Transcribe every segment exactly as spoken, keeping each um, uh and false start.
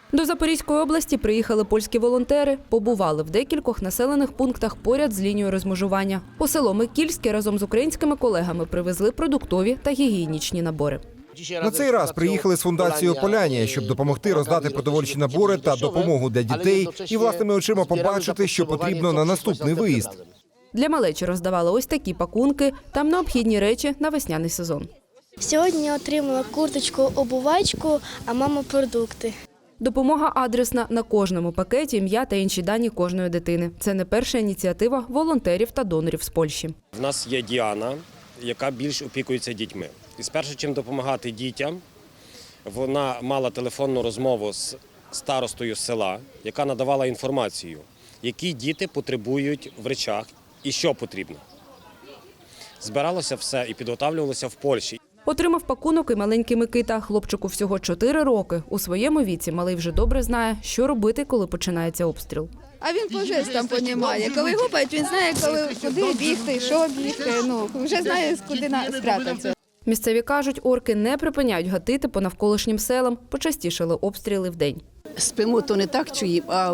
До Запорізької області приїхали польські волонтери, побували в декількох населених пунктах поряд з лінією розмежування. У село Микільське разом з українськими колегами привезли продуктові та гігієнічні набори. На цей раз приїхали з фундацією «Полянія», щоб допомогти роздати продовольчі набори та допомогу для дітей і власними очима побачити, що потрібно на наступний виїзд. Для малечі роздавали ось такі пакунки, там необхідні речі на весняний сезон. Сьогодні отримала курточку, обувачку, а мама – продукти. Допомога адресна. На кожному пакеті ім'я та інші дані кожної дитини. Це не перша ініціатива волонтерів та донорів з Польщі. У нас є Діана, яка більш опікується дітьми. І спершу, чим допомагати дітям, вона мала телефонну розмову з старостою села, яка надавала інформацію, які діти потребують в речах і що потрібно. Збиралося все і підготовлювалося в Польщі. Отримав пакунок і маленький Микита. Хлопчику всього чотири роки. У своєму віці малий вже добре знає, що робити, коли починається обстріл. А він по жестам розуміє. Коли гупають, він знає, коли, куди бігти, що бігти. Ну, вже знає, куди спрятатися. Місцеві кажуть, орки не припиняють гатити по навколишнім селам. Почастішали обстріли вдень. Спимо, то не так чуємо, а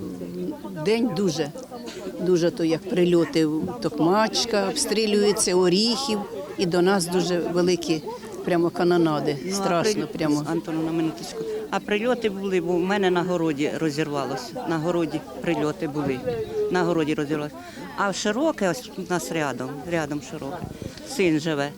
вдень дуже. Дуже то як прильоти, Токмачка, обстрілюється, Оріхів. І до нас дуже великі прямо канонади, страшно прямо. Антону, на минуточку. А прильоти були, бо в мене на городі розірвалося. На городі прильоти були, на городі розірвалося. А широке, ось у нас рядом, рядом широке, син живе.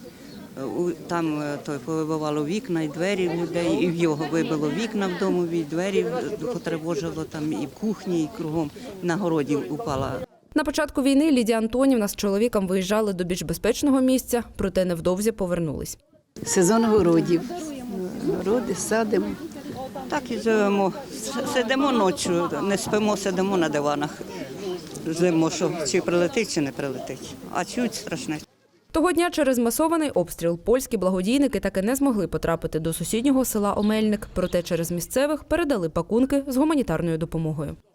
Там той повибивало вікна і двері в людей, і в його вибило вікна в домові, двері потривожило там і в кухні, і кругом, на городі упала. На початку війни Лідія Антонівна з чоловіком виїжджали до більш безпечного місця, проте невдовзі повернулись. Сезон городів. Городи садимо. Так і живемо. Сидимо ночі, не спимо, сидимо на диванах. Ждемо, що чи прилетить, чи не прилетить. А чуть страшне. Того дня через масований обстріл польські благодійники таки не змогли потрапити до сусіднього села Омельник, проте через місцевих передали пакунки з гуманітарною допомогою.